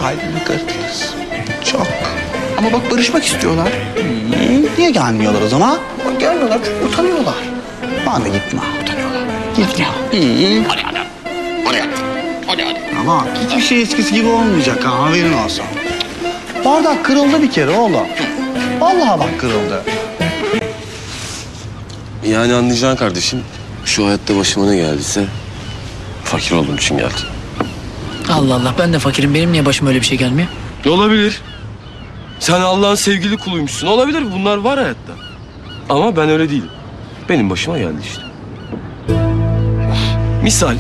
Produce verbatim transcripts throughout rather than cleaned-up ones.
kalbimi kırdınız. Çok. Ama bak barışmak istiyorlar. Hmm, niye gelmiyorlar o zaman? Bak gelmiyorlar çünkü utanıyorlar. Bana gitme, utanıyorlar. Gitme. Hmm. Hadi hadi. Hadi hadi. Hadi hadi. Ama hiçbir şey eskisi gibi olmayacak ha, haberin olsun. Bardak kırıldı bir kere oğlum. Vallahi bak kırıldı. Yani anlayacaksın kardeşim, şu hayatta başıma ne geldiyse fakir olduğum için geldi. Allah Allah, ben de fakirim. Benim niye başıma öyle bir şey gelmiyor? Olabilir. Sen Allah'ın sevgili kuluymuşsun. Olabilir, bunlar var hayatta. Ama ben öyle değilim. Benim başıma geldi işte. Misal.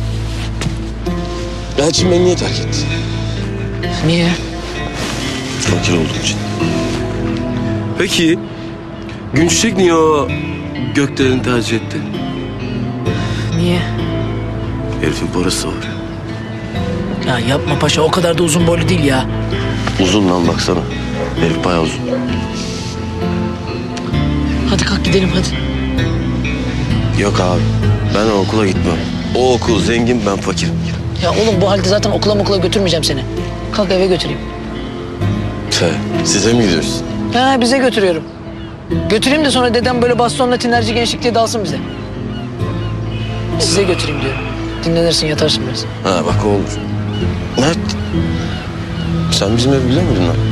Elçin beni niye terk etti? Niye? Fakir olduğum için. Peki, Günçiçek niye o gökdeleni tercih etti? Niye? Herifin parası var. Ya yapma paşa, o kadar da uzun boylu değil ya. Uzun lan baksana. Herif bayağı uzun. Hadi kalk gidelim hadi. Yok abi, ben o okula gitmem. O okul zengin, ben fakirim. Ya oğlum bu halde zaten okula okula götürmeyeceğim seni. Kalk eve götüreyim. Te, size mi gidiyoruz? Ha, bize götürüyorum. Götüreyim de sonra dedem böyle bastonla tinerci gençlik diye dalsın bize. Size götüreyim diyorum. Dinlenirsin, yatarsın biraz. Ha bak o olur. Mert, sen bizim evi biliyor muydun lan?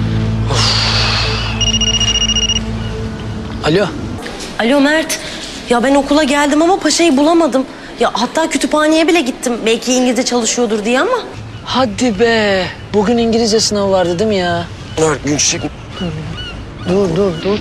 Alo. Alo Mert. Ya ben okula geldim ama paşayı bulamadım. Ya hatta kütüphaneye bile gittim. Belki İngilizce çalışıyordur diye ama. Hadi be. Bugün İngilizce sınavı vardı değil mi ya? Mert, Günçiçek. Dur dur dur.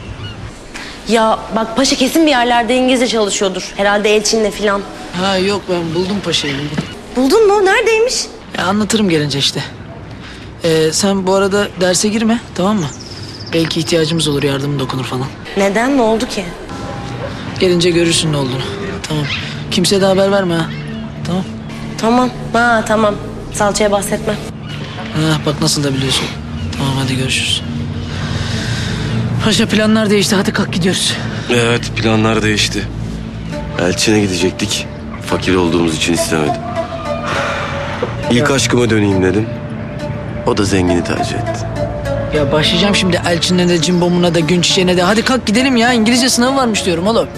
Ya bak paşa kesin bir yerlerde İngilizce çalışıyordur. Herhalde Elçin'le falan. Ha yok, ben buldum paşayı buldum. Buldun mu? Neredeymiş? Ya anlatırım gelince işte. Ee, sen bu arada derse girme, tamam mı? Belki ihtiyacımız olur, yardımın dokunur falan. Neden? Ne oldu ki? Gelince görürsün ne olduğunu. Tamam. Kimseye de haber verme ha. Tamam. Tamam. Ha tamam. Salçaya bahsetme. Ha, bak nasıl da biliyorsun. Tamam hadi görüşürüz. Paşa planlar değişti. Hadi kalk gidiyoruz. Evet, planlar değişti. Elçin'e gidecektik. Fakir olduğumuz için istemedim. İlk aşkıma döneyim dedim. O da zengini tercih etti. Ya başlayacağım şimdi Elçin'e de, Cimbom'una da, Günçiçek'ine de. Hadi kalk gidelim ya. İngilizce sınavı varmış diyorum oğlum.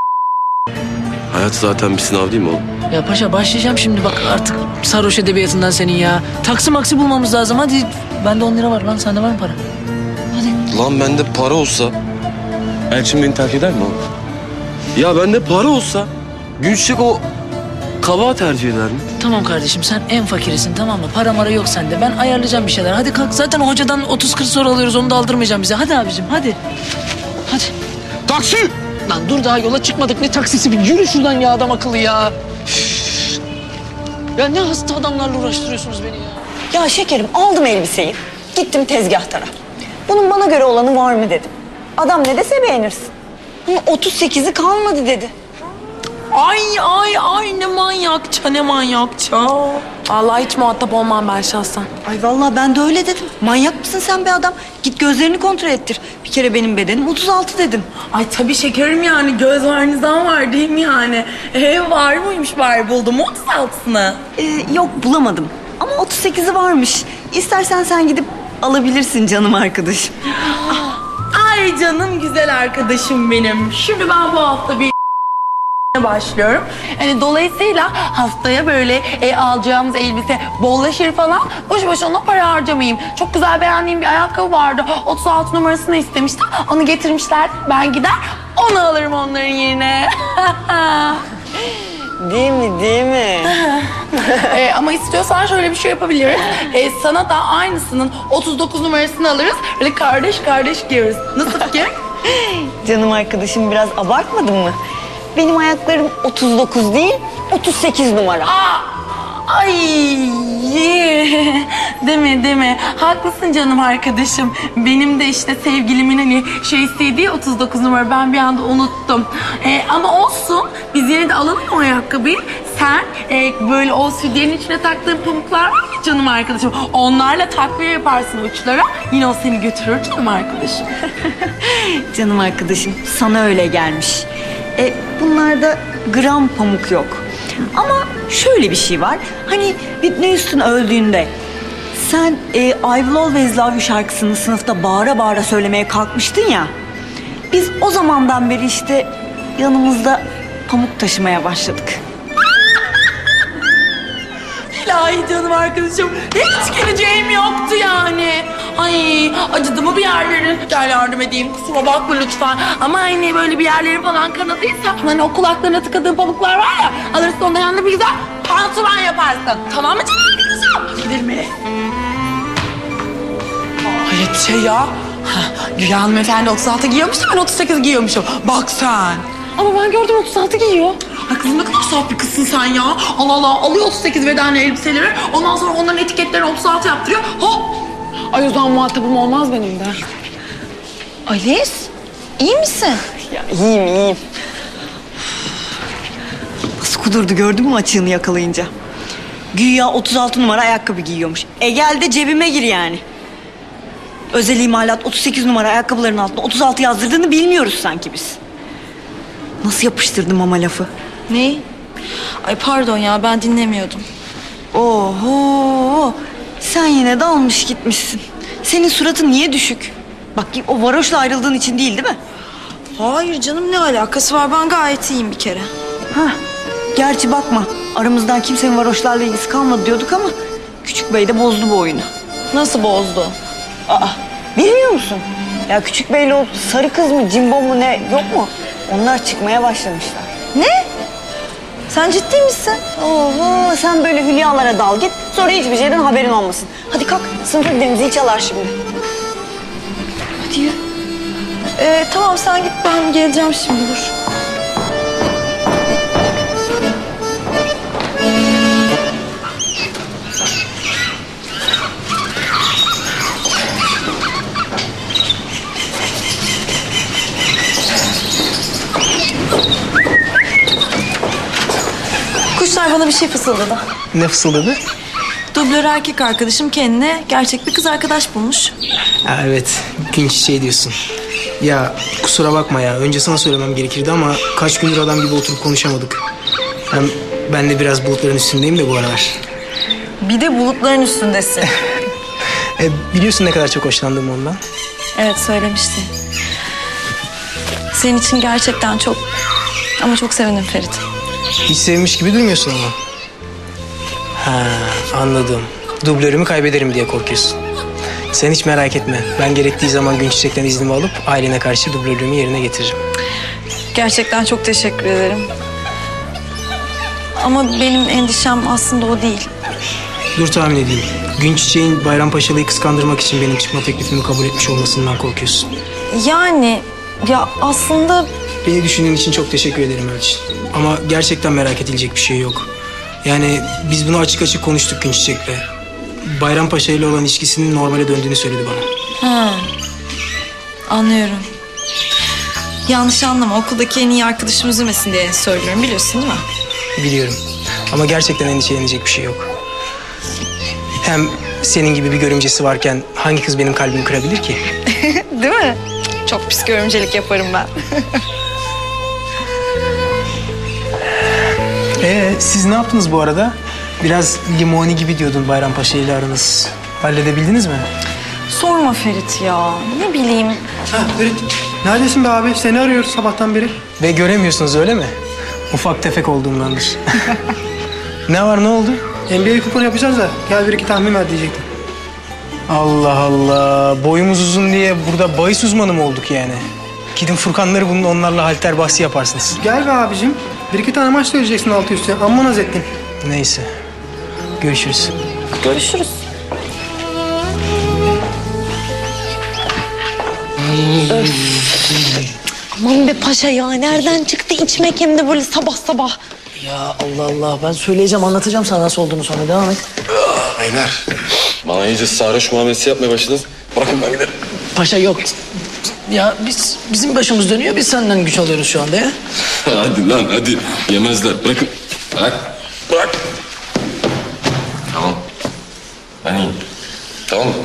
Hayat zaten bir sınav değil mi oğlum? Ya paşa başlayacağım şimdi bak artık sarhoş edebiyatından senin ya. Taksi maksi bulmamız lazım hadi. Bende on lira var lan, sende var mı para? Hadi. Lan bende para olsa Elçin beni terk eder mi oğlum? Ya bende para olsa Günçiçek o kabağı tercih eder mi? Tamam kardeşim, sen en fakirisin tamam mı? Para mara yok sende. Ben ayarlayacağım bir şeyler. Hadi kalk, zaten hocadan otuz kırk soru alıyoruz, onu da aldırmayacağım bize. Hadi abicim hadi. Hadi. Taksi! Lan dur, daha yola çıkmadık, ne taksisi? Bir yürü şuradan ya, adam akıllı ya. Üf. Ya ne hasta adamlarla uğraştırıyorsunuz beni ya. Ya şekerim, aldım elbiseyi. Gittim tezgahtara. Bunun bana göre olanı var mı dedim. Adam ne dese beğenirsin. Bunun otuz sekizi kalmadı dedi. Ay ay ay ne manyakça ne manyakça. Vallahi hiç muhatap olmam ben şahsen. Ay vallahi ben de öyle dedim. Manyak mısın sen be adam? Git gözlerini kontrol ettir. Bir kere benim bedenim otuz altı dedim. Ay tabii şekerim, yani göz var nizam var değil mi yani? Ee, var mıymış bari, buldum mu otuz altısını? Ee, yok bulamadım. Ama otuz sekizi varmış. İstersen sen gidip alabilirsin canım arkadaşım. Ay canım güzel arkadaşım benim. Şimdi ben bu hafta bir başlıyorum. Yani dolayısıyla haftaya böyle e, alacağımız elbise bollaşır falan. Boş boş ona para harcamayayım. Çok güzel beğendiğim bir ayakkabı vardı. otuz altı numarasını istemiştim. Onu getirmişler. Ben gider onu alırım onların yerine. Değil mi, değil mi? e, ama istiyorsan şöyle bir şey yapabiliriz. E, sana da aynısının otuz dokuz numarasını alırız. Böyle kardeş kardeş giyeriz. Nasıl fikir? Canım arkadaşım biraz abartmadın mı? Benim ayaklarım otuz dokuz değil, otuz sekiz numara. Aa, ay, deme deme. Haklısın canım arkadaşım. Benim de işte sevgilimin hani şey istediği otuz dokuz numara. Ben bir anda unuttum. Ee, ama olsun. Biz yine de alalım o ayakkabıyı. Sen e, böyle o sütyenin içine taktığın pamuklar var ya canım arkadaşım. Onlarla takviye yaparsın uçlara. Yine o seni götürür canım arkadaşım. Canım arkadaşım, sana öyle gelmiş. E, bunlarda gram pamuk yok. Ama şöyle bir şey var. Hani Whitney Houston öldüğünde Sen e, I Will Always Love You şarkısını sınıfta bağıra bağıra söylemeye kalkmıştın ya. Biz o zamandan beri işte yanımızda pamuk taşımaya başladık. İlahi canım arkadaşım. Hiç geleceğim yoktu yani. Ay acıdı mı bir yerlerin? Gel yardım edeyim. Kusura bakma lütfen. Ama hani böyle bir yerlerin falan kanadıysa hani o kulaklarına tıkadığın pamuklar var ya, alırsın ondan yanına bir güzel pansuman yaparsın. Tamam mı canım arkadaşım? Gidelim mi? Hayret bir şey ya. Güya hanımefendi otuz altı giyiyormuş da ben otuz sekiz giyiyormuşum. Bak sen. Ama ben gördüm otuz altı giyiyor. Ay kızım ne kadar saf bir kızsın sen ya. Allah Allah alıyor otuz sekiz bedenli elbiseleri. Ondan sonra onların etiketlerini otuz altı yaptırıyor. Hop. Ay o zaman muhatabım olmaz benim de. Alice, iyi misin? Ya iyiyim, iyiyim. Nasıl kudurdu gördün mü açığını yakalayınca? Güya otuz altı numara ayakkabı giyiyormuş. E gel de cebime gir yani. Özel imalat otuz sekiz numara ayakkabıların altına otuz altı yazdırdığını bilmiyoruz sanki biz. Nasıl yapıştırdım ama lafı? Ne? Ay pardon ya ben dinlemiyordum. Oho! Sen yine dalmış gitmişsin. Senin suratın niye düşük? Bak o varoşla ayrıldığın için değil değil mi? Hayır canım ne alakası var, ben gayet iyiyim bir kere. Hah. Gerçi bakma aramızdan kimsenin varoşlarla ilgisi kalmadı diyorduk ama Küçük Bey de bozdu bu oyunu. Nasıl bozdu? Aa, bilmiyor musun? Ya Küçük Bey'le o sarı kız mı, cimbom mu ne yok mu? Onlar çıkmaya başlamışlar. Ne? Sen ciddi misin? Oho, sen böyle hülyalara dal git. Sonra hiçbir şeyden haberin olmasın. Hadi kalk, sınıfa gidelim, zil çalar şimdi. Hadi yürü. Ee, tamam sen git, ben geleceğim şimdi, dur. Kuşlar bana bir şey fısıldadı. Ne fısıldadı? Dublör erkek arkadaşım kendine gerçek bir kız arkadaş bulmuş. Ha, evet, gün çiçeği diyorsun. Ya kusura bakma ya, önce sana söylemem gerekirdi ama kaç gündür adam gibi oturup konuşamadık. Hem ben de biraz bulutların üstündeyim de bu aralar. Bir de bulutların üstündesin. E, biliyorsun ne kadar çok hoşlandım ondan. Evet söylemiştin. Senin için gerçekten çok ama çok sevindim Ferit. Hiç sevmiş gibi durmuyorsun ama. Ha, anladım. Dublörümü kaybederim diye korkuyorsun. Sen hiç merak etme. Ben gerektiği zaman gün çiçekten iznimi alıp ailene karşı dublörlüğümü yerine getiririm. Gerçekten çok teşekkür ederim. Ama benim endişem aslında o değil. Dur tahmin edeyim. Gün çiçeğin Bayrampaşalı'yı kıskandırmak için benim çıkma teklifimi kabul etmiş olmasından korkuyorsun. Yani ya aslında... Beni düşündüğün için çok teşekkür ederim Elçin. Ama gerçekten merak edilecek bir şey yok. Yani biz bunu açık açık konuştuk Gün Çiçek'le. Bayrampaşa ile olan ilişkisinin normale döndüğünü söyledi bana. Ha, anlıyorum. Yanlış anlama, okuldaki en iyi arkadaşım üzülmesin diye söylüyorum, biliyorsun değil mi? Biliyorum. Ama gerçekten endişelenecek bir şey yok. Hem senin gibi bir görümcesi varken hangi kız benim kalbimi kırabilir ki? Değil mi? Çok pis görümcelik yaparım ben. Ee, siz ne yaptınız bu arada? Biraz limoni gibi diyordun Bayrampaşa ile aranız. Halledebildiniz mi? Sorma Ferit ya, ne bileyim. Ha Ferit, neredesin be abi? Seni arıyoruz sabahtan beri. Ve göremiyorsunuz öyle mi? Ufak tefek olduğumdandır. Ne var, ne oldu? N B A kuponu yapacağız da gel bir iki tahmin ver diyecektim. Allah Allah. Boyumuz uzun diye burada bahis uzmanı mı olduk yani? Gidin Furkanları bunun onlarla halter bahsi yaparsınız. Gel be abicim. Bir iki tane maç söyleyeceksin altı üstü. Amma naz ettin. Neyse. Görüşürüz. Görüşürüz. Aman be paşa ya, nereden çıktı içmek hem de böyle sabah sabah. Ya Allah Allah, ben söyleyeceğim, anlatacağım sana nasıl olduğunu, sonra devam et. Beyler, bana iyice sarhoş muamelesi yapmaya başladınız. Bırakın ben giderim. Paşa yok. Ya biz, bizim başımız dönüyor, biz senden güç alıyoruz şu anda ya. Hadi lan hadi. Yemezler. Bırakın. Bırak. Bırak. Tamam. Ben iyiyim. Tamam mı?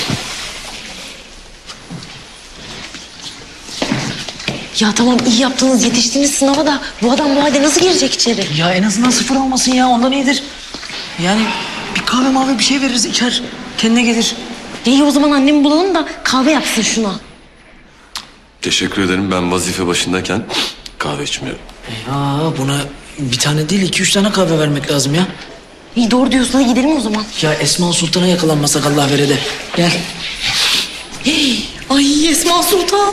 Ya tamam iyi yaptınız, yetiştiniz sınava da bu adam bu halde nasıl girecek içeri? Ya en azından sıfır olmasın ya, ondan iyidir. Yani bir kahve mavi bir şey veririz, içer. Kendine gelir. İyi o zaman annemi bulalım da kahve yapsın şuna. Teşekkür ederim. Ben vazife başındayken kahve içmiyorum. Ya buna bir tane değil iki üç tane kahve vermek lazım ya. İyi doğru diyorsun, hadi gidelim o zaman. Ya Esma Sultan'a yakalanmasak Allah verede. Gel. Ay Esma Sultan.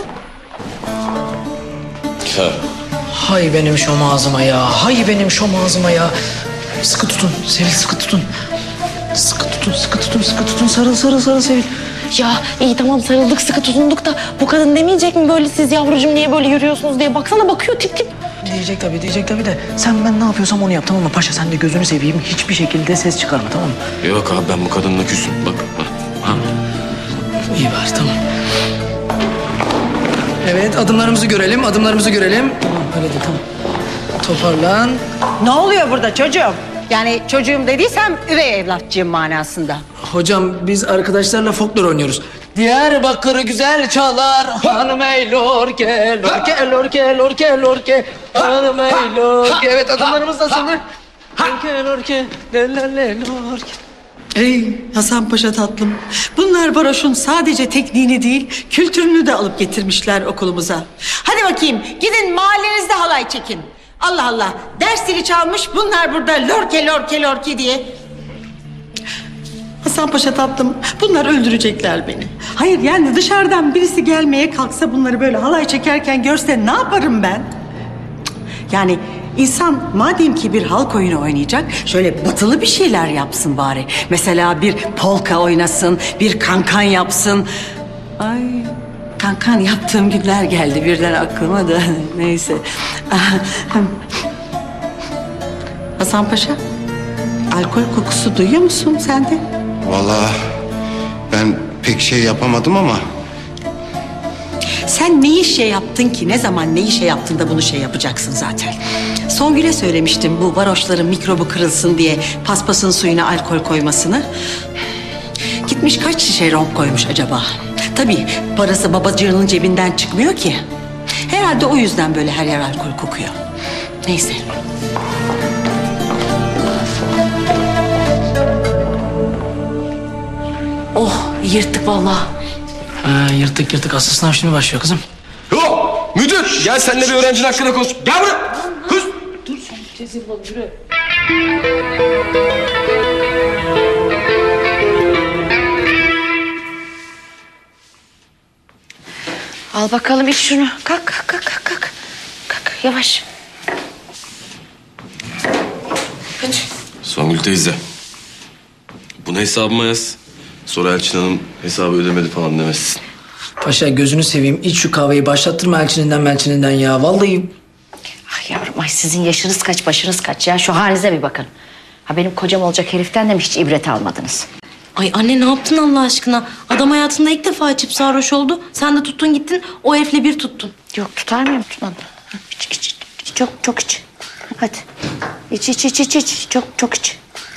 Ha. Hay benim şom ağzıma ya. Hay benim şom ağzıma ya. Sıkı tutun Sevil, sıkı tutun. Sıkı tutun, sıkı tutun, sıkı tutun. Sarıl, sarıl, sarıl Sevil. Ya iyi tamam sarıldık sıkı tutunduk da bu kadın demeyecek mi böyle siz yavrucuğum niye böyle yürüyorsunuz diye. Baksana bakıyor tip tip. Diyecek tabii, diyecek tabii de sen ben ne yapıyorsam onu yap tamam mı? Paşa sen de gözünü seveyim. Hiçbir şekilde ses çıkarma tamam mı? Yok abi ben bu kadınla küsüm. Bak. Ha. İyi var tamam. Evet adımlarımızı görelim, adımlarımızı görelim. Tamam öyle de tamam. Toparlan. Ne oluyor burada çocuğum? Yani çocuğum dediysem üvey evlatçığım manasında. Hocam biz arkadaşlarla folklor oynuyoruz. Diyarbakır güzel çalar, hanım ey lorke, lorke, lorke, lorke, lorke, hanım ey lorke. Evet adımlarımız nasıldır? Lorke, lorke, le, le, le, lorke. Ey Hasan Paşa tatlım. Bunlar varoşun sadece tekniğini değil, kültürünü de alıp getirmişler okulumuza. Hadi bakayım gidin mahallenizde halay çekin. Allah Allah ders zili çalmış bunlar burada lorke lorke lorke diye. Hasan Paşa tatlım bunlar öldürecekler beni. Hayır yani dışarıdan birisi gelmeye kalksa bunları böyle halay çekerken görse ne yaparım ben? Yani insan madem ki bir halk oyunu oynayacak şöyle batılı bir şeyler yapsın bari. Mesela bir polka oynasın, bir kankan yapsın. Ay kankan yaptığım günler geldi birden aklıma da neyse. Hasan Paşa, alkol kokusu duyuyor musun sen de? Vallahi ben pek şey yapamadım ama... Sen neyi şey yaptın ki? Ne zaman neyi şey yaptın da bunu şey yapacaksın zaten. Songül'e söylemiştim bu varoşların mikrobu kırılsın diye paspasın suyuna alkol koymasını. Gitmiş kaç şişe rom koymuş acaba? Tabii parası babacığının cebinden çıkmıyor ki. Herhalde o yüzden böyle her yer alkol kokuyor. Neyse. Oh yırttık vallahi. Ha, yırtık yırtık asıl sınav şimdi başlıyor kızım. Yok müdür gel seninle bir öğrencinin hakkında konuş. Gel buraya. Kız. Dur sen tez yapalım yürü. Al bakalım iç şunu. Kalk kalk kalk kalk. Kalk, kalk yavaş. Hadi. Songül teyze. Bunu hesabıma yaz. Sonra Elçin Hanım hesabı ödemedi falan demezsin. Paşa gözünü seveyim iç şu kahveyi başlattırma elçininden melçininden ya vallahi. Ay yavrum ay sizin yaşınız kaç başınız kaç ya şu halinize bir bakın. Ha benim kocam olacak heriften de mi hiç ibret almadınız? Ay anne ne yaptın Allah aşkına? Adam hayatında ilk defa içip sarhoş oldu. Sen de tuttun gittin o herifle bir tuttun. Yok tutar mıyım tutmadım. İç iç iç. Çok çok iç. Hadi. İç iç iç iç iç. Çok çok iç.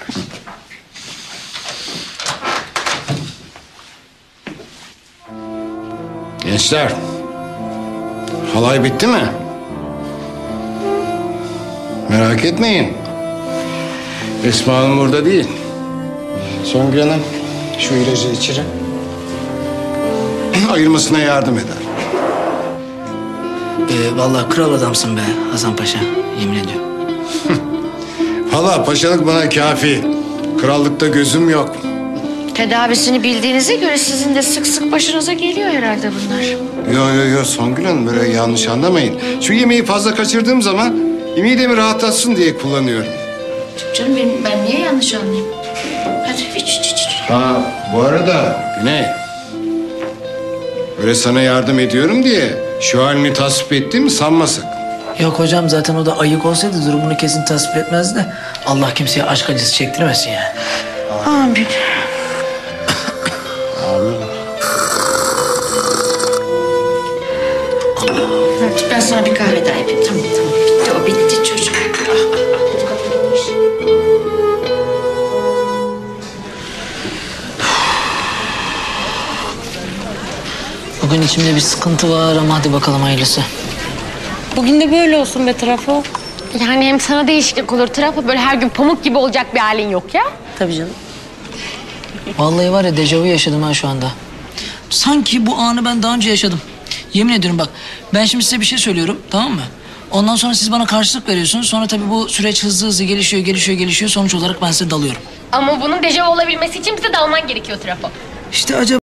Gençler, halay bitti mi? Merak etmeyin. Esma Hanım burada değil. Songül Hanım şu ilacı içirin. Ayırmasına yardım eder. Ee, vallahi kral adamsın be Hasan Paşa yemin ediyorum. Valla paşalık bana kafi. Krallıkta gözüm yok. Tedavisini bildiğinize göre sizin de sık sık başınıza geliyor herhalde bunlar. Yo yo yo Songül Hanım böyle yanlış anlamayın. Şu yemeği fazla kaçırdığım zaman midemi rahatlatsın diye kullanıyorum. Canım benim, ben niye yanlış anlayayım? Hadi iç iç iç. Ha bu arada Güney. Öyle sana yardım ediyorum diye şu halini tasvip ettiğimi sanma sakın. Yok hocam zaten o da ayık olsaydı durumunu kesin tasvip etmezdi de Allah kimseye aşk acısı çektirmesin yani. Amin. Hadi ben sana bir kahve daha yapayım. Tamam tamam bitti o bitti çocuk. Bugün içimde bir sıkıntı var ama hadi bakalım hayırlısı. Bugün de böyle olsun be Trafo. Yani hem sana değişiklik olur. Trafo böyle her gün pamuk gibi olacak bir halin yok ya. Tabii canım. Vallahi var ya dejavu yaşadım ha şu anda. Sanki bu anı ben daha önce yaşadım. Yemin ediyorum bak ben şimdi size bir şey söylüyorum tamam mı? Ondan sonra siz bana karşılık veriyorsunuz. Sonra tabii bu süreç hızlı hızlı gelişiyor gelişiyor gelişiyor. Sonuç olarak ben size dalıyorum. Ama bunun dejavu olabilmesi için bize dalman gerekiyor Trafo. İşte acaba